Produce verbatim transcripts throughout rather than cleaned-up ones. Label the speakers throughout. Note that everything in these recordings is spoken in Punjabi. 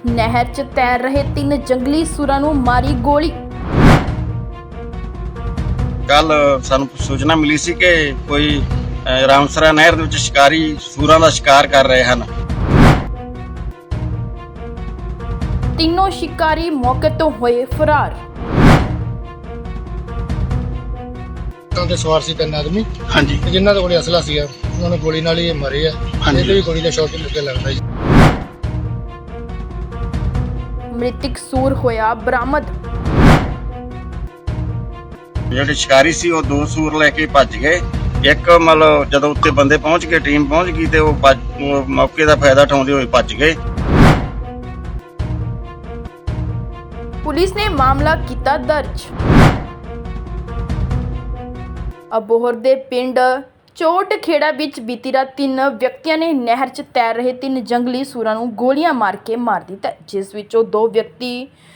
Speaker 1: नहर च तैर रहे तीन जंगली सूरां नूं मारी गोली।
Speaker 2: कल सानू सूचना मिली सी कि कोई रामसरा नहर दे विच शिकारी सूरां दा शिकार कर रहे हैं।
Speaker 1: तीनों शिकारी मौके तो होए फरार।
Speaker 3: ਤੇ ਸਵਾਰ ਸੀ ਤਿੰਨ ਆਦਮੀ
Speaker 2: ਹਾਂਜੀ
Speaker 3: ਜਿਨ੍ਹਾਂ ਦੇ ਕੋਲ ਅਸਲਾ ਸੀ ਉਹਨਾਂ ਨੇ ਗੋਲੀ ਨਾਲ ਹੀ ਮਾਰੇ ਆ। ਇਹਦੇ ਵੀ ਗੋਲੀ ਦਾ ਸ਼ੌਟ ਲੱਗੇ ਲੱਗਦਾ ਜੀ।
Speaker 1: मृतक सूर होया बरामद।
Speaker 2: ਜਿਹੜੇ ਸ਼ਿਕਾਰੀ ਸੀ ਉਹ ਦੋ ਸੂਰ ਲੈ ਕੇ ਭੱਜ ਗਏ। ਇੱਕ ਮਤਲਬ ਜਦੋਂ ਉੱਤੇ ਬੰਦੇ ਪਹੁੰਚ ਗਏ, ਟੀਮ ਪਹੁੰਚ ਗਈ ਤੇ ਉਹ ਉਹ ਮੌਕੇ ਦਾ ਫਾਇਦਾ ਉਠਾਉਂਦੇ ਹੋਏ ਭੱਜ ਗਏ।
Speaker 1: पुलिस ने मामला किया दर्ज। अबोहर दे पिंड चोट खेड़ा विच बीती रात तीन व्यक्तियों ने नहर च तैर रहे तीन जंगली सूरां नूं गोलियां मार के मार दिता, जिस विचों दो व्यक्ति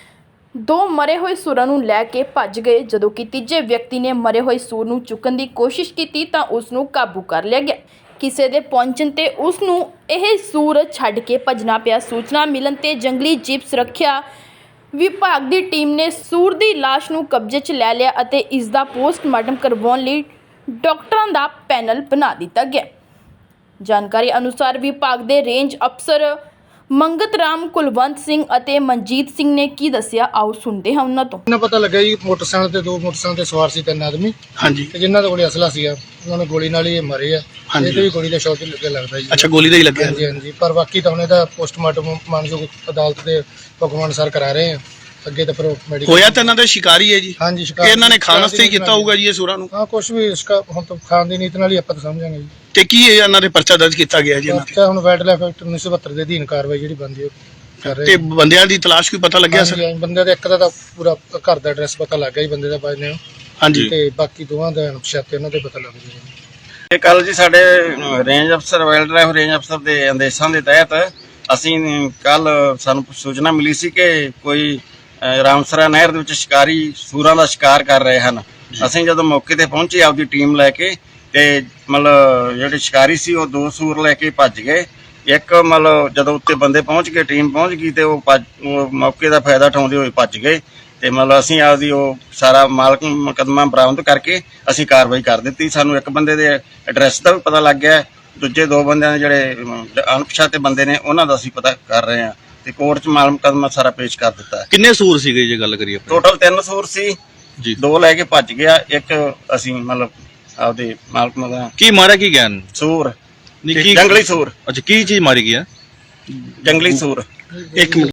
Speaker 1: दो मरे हुए सूरां नूं लै के भज गए, जदों कि तीजे व्यक्ति ने मरे हुए सूर नूं चुकण दी कोशिश की तां उस नूं काबू कर लिया गया। किसी दे पहुंचण ते उस नूं इह सूर छड्ड के भजना पिया। सूचना मिलण ते जंगली जीव सुरक्षा विभाग की टीम ने सूर की लाश नूं कब्जे च लै लिया अते इसका पोस्टमार्टम करवाउण लई डॉक्टरां दा पैनल बना दिता गया। जानकारी अनुसार विभाग के रेंज अफसर मंगत राम कुलवंत सिंह अते मनजीत सिंह ने की दस्सिया, आओ सुनते हैं उन्हां तों।
Speaker 3: ਇਹਨਾਂ ਪਤਾ ਲੱਗਾ ਜੀ ਮੋਟਰਸਾਈਕਲ ਤੇ ਦੋ ਮੋਟਰਸਾਈਕਲ ਤੇ ਸਵਾਰ ਸੀ ਤਿੰਨ ਆਦਮੀ
Speaker 2: ਹਾਂਜੀ
Speaker 3: ਤੇ ਜਿਨ੍ਹਾਂ ਦੇ ਕੋਲ ਅਸਲਾ ਸੀ ਉਹਨਾਂ ਨੇ ਗੋਲੀ ਨਾਲ ਹੀ ਮਾਰੇ ਆ। ਇਹਦੇ ਵੀ ਗੋਲੀ ਦਾ ਸ਼ੌਟ ਲੱਗੇ ਲੱਗਦਾ ਜੀ।
Speaker 2: ਅੱਛਾ, ਗੋਲੀ ਦਾ ਹੀ ਲੱਗਿਆ।
Speaker 3: ਹਾਂਜੀ ਹਾਂਜੀ, ਪਰ ਬਾਕੀ ਤਾਂ ਹੁਣ ਇਹਦਾ ਪੋਸਟਮਾਰਟਮ ਮਾਨਯੋਗ ਅਦਾਲਤ ਦੇ ਹੁਕਮ ਅਨੁਸਾਰ ਕਰਾ ਰਹੇ ਆ। ਅੱਗੇ ਤਾਂ ਫਿਰ ਮੈਡੀਕਲ
Speaker 4: ਹੋਇਆ ਤਾਂ ਇਹਨਾਂ ਦਾ ਸ਼ਿਕਾਰੀ ਹੈ ਜੀ।
Speaker 3: ਹਾਂਜੀ,
Speaker 4: ਕਿ
Speaker 3: ਸ਼ਿਕਾਰ
Speaker 4: ਇਹਨਾਂ ਨੇ ਖਾਣ ਵਾਸਤੇ ਹੀ ਕੀਤਾ ਹੋਊਗਾ ਜੀ ਇਹ ਸੂਰਾਂ ਨੂੰ।
Speaker 3: ਹਾਂ, ਕੁਝ ਵੀ ਇਸਕਾ ਹੁਣ ਤਾਂ ਖਾਣ ਦੀ ਨੀਤ ਨਾਲ ਹੀ ਆਪਾਂ ਤਾਂ ਸਮਝਾਂਗੇ ਜੀ।
Speaker 4: ਤੇ ਕੀ ਇਹ ਇਹਨਾਂ ਦੇ ਪਰਚਾ ਦਰਜ ਕੀਤਾ ਗਿਆ ਜੀ ਇਹਨਾਂ ਤੇ?
Speaker 3: ਅੱਛਾ, ਹੁਣ ਵਾਈਲਡ ਲਾਈਫ ਐਕਟ ਉੱਨੀ ਸੌ ਬਹੱਤਰ ਦੇ ਅਧੀਨ ਕਾਰਵਾਈ ਜਿਹੜੀ ਬਣਦੀ ਉਹ ਕਰ ਰਹੇ
Speaker 4: ਤੇ ਬੰਦਿਆਂ ਦੀ ਤਲਾਸ਼ ਕੋਈ ਪਤਾ ਲੱਗਿਆ ਸਰ?
Speaker 3: ਹਾਂਜੀ, ਬੰਦੇ ਦਾ ਇੱਕ ਦਾ ਤਾਂ ਪੂਰਾ ਘਰ ਦਾ ਐਡਰੈਸ ਪਤਾ ਲੱਗ ਗਿਆ ਜੀ ਬੰਦੇ ਦਾ ਬਾਅਦ ਨੇ।
Speaker 4: ਹਾਂਜੀ,
Speaker 3: ਤੇ ਬਾਕੀ ਦੋਵਾਂ ਦਾ ਅਣਪਛਾਤੇ ਉਹਨਾਂ ਦੇ ਪਤਾ ਲੱਗ ਜੂਗਾ।
Speaker 2: ਇਹ ਕੱਲ ਜੀ ਸਾਡੇ ਰੇਂਜ ਅਫਸਰ ਵਾਈਲਡ ਲਾਈਫ ਰੇਂਜ ਅਫਸਰ ਦੇ ਆਦੇਸ਼ਾਂ ਦੇ ਤਹਿਤ ਅਸੀਂ ਕੱਲ ਸਾਨੂੰ ਸੂਚਨਾ ਮਿਲੀ ਸੀ ਕਿ ਕੋਈ ਰਾਮਸਰਾ ਨਹਿਰ ਦੇ ਵਿੱਚ ਸ਼ਿਕਾਰੀ ਸੂਰਾਂ ਦਾ ਸ਼ਿਕਾਰ ਕਰ ਰਹੇ ਹਨ। ਅਸੀਂ ਜਦੋਂ ਮੌਕੇ ਤੇ ਪਹੁੰਚੇ ਆਪਦੀ ਟੀਮ ਲੈ ਕੇ ਤੇ ਮਤਲਬ ਜਿਹੜੇ ਸ਼ਿਕਾਰੀ ਸੀ ਉਹ ਦੋ ਸੂਰ ਲੈ ਕੇ ਭੱਜ ਗਏ। ਇੱਕ ਮਤਲਬ ਜਦੋਂ ਉੱਤੇ ਬੰਦੇ ਪਹੁੰਚ ਗਏ, ਟੀਮ ਪਹੁੰਚ ਗਈ ਤੇ ਉਹ ਉਹ ਮੌਕੇ ਦਾ ਫਾਇਦਾ ਉਠਾਉਂਦੇ ਹੋਏ ਭੱਜ ਗਏ। ਤੇ ਮਤਲਬ ਅਸੀਂ ਆਪਦੀ ਉਹ ਸਾਰਾ ਮਾਲਕ ਮੁਕੱਦਮਾ ਬਰਾਮਦ ਕਰਕੇ ਅਸੀਂ ਕਾਰਵਾਈ ਕਰ ਦਿੱਤੀ। ਸਾਨੂੰ ਇੱਕ ਬੰਦੇ ਦੇ ਐਡਰੈਸ ਦਾ ਵੀ ਪਤਾ ਲੱਗ ਗਿਆ। ਦੂਜੇ ਦੋ ਬੰਦਿਆਂ ਦੇ ਜਿਹੜੇ ਅਣਪਛਾਤੇ ਬੰਦੇ ਨੇ ਉਹਨਾਂ ਦਾ ਅਸੀਂ ਪਤਾ ਕਰ ਰਹੇ ਹਾਂ ਤੇ ਕੋਰਟ 'ਚ ਮਾਲ ਮੁਕੱਦਮਾ ਸਾਰਾ ਪੇਸ਼ ਕਰ ਦਿੱਤਾ ਹੈ।
Speaker 4: ਕਿੰਨੇ ਸੂਰ ਸੀਗੇ ਜੇ ਗੱਲ ਕਰੀਏ?
Speaker 2: ਟੋਟਲ ਤਿੰਨ ਸੂਰ ਸੀ
Speaker 4: ਜੀ,
Speaker 2: ਦੋ ਲੈ ਕੇ ਭੱਜ ਗਿਆ। ਇੱਕ ਅਸੀਂ ਮਤਲਬ ਆਪਦੇ ਮਾਲਕ ਮਗਾ
Speaker 4: ਕੀ ਮਾਰਿਆ ਕੀ ਗਿਆ?
Speaker 2: ਸੂਰ
Speaker 4: ਕੀ
Speaker 2: ਜੰਗਲੀ ਸੂਰ
Speaker 4: ਅੱਛਾ, ਕੀ ਚੀਜ਼ ਮਾਰੀ ਗਿਆ?
Speaker 2: ਜੰਗਲੀ ਸੂਰ।
Speaker 4: ਇੱਕ ਮਿੰਟ।